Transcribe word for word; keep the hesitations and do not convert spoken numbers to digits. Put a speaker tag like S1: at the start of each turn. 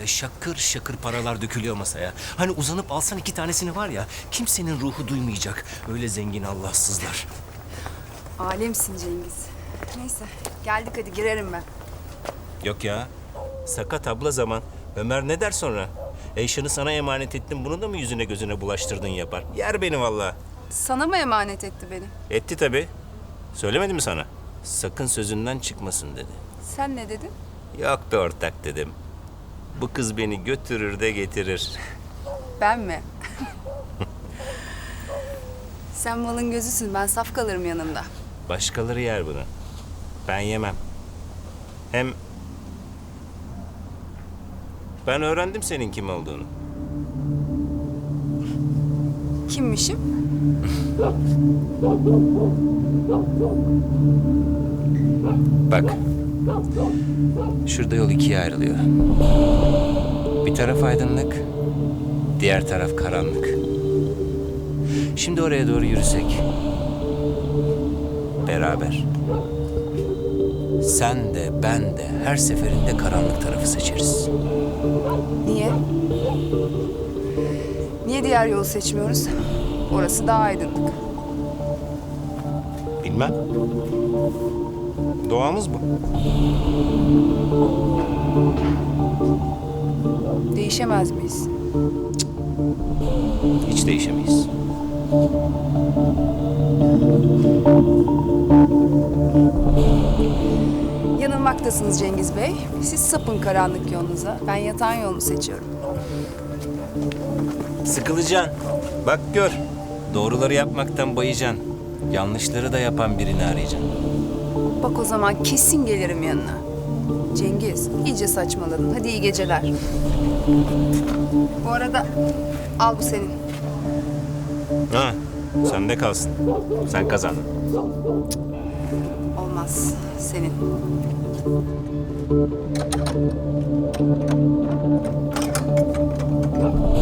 S1: böyle şakır şakır paralar dökülüyor masaya. Hani uzanıp alsan iki tanesini var ya, kimsenin ruhu duymayacak. Öyle zengin Allahsızlar.
S2: Alemsin Cengiz. Neyse geldik hadi girerim ben.
S1: Yok ya, sakat abla zaman. Ömer ne der sonra? Eyşan'ı sana emanet ettim, bunu da mı yüzüne gözüne bulaştırdın yapar? Yer beni vallahi.
S2: Sana mı emanet etti beni?
S1: Etti tabii. Söylemedi mi sana? Sakın sözünden çıkmasın dedi.
S2: Sen ne dedin?
S1: Yok be ortak dedim. Bu kız beni götürür de getirir.
S2: Ben mi? Sen malın gözüsün, ben saf kalırım yanında.
S1: Başkaları yer bunu. Ben yemem. Hem ben öğrendim senin kim olduğunu.
S2: Kimmişim?
S1: Bak. Şurada yol ikiye ayrılıyor. Bir taraf aydınlık, diğer taraf karanlık. Şimdi oraya doğru yürüsek. Beraber. Sen de ben de her seferinde karanlık tarafı seçeriz.
S2: Niye? Niye diğer yolu seçmiyoruz? Orası daha aydınlık.
S1: Bilmem. Doğamız bu.
S2: Değişemez miyiz?
S1: Hiç değişemeyiz.
S2: Yanılmaktasınız Cengiz Bey. Siz sapın karanlık yolunuza. Ben yatan yolunu seçiyorum.
S1: Sıkılacaksın. Bak gör. Doğruları yapmaktan bayacaksın. Yanlışları da yapan birini arayacaksın.
S2: Bak o zaman kesin gelirim yanına. Cengiz, iyice saçmaladın. Hadi iyi geceler. Bu arada al bu senin.
S1: Ha, sende kalsın. Sen kazandın.
S2: Olmaz, senin.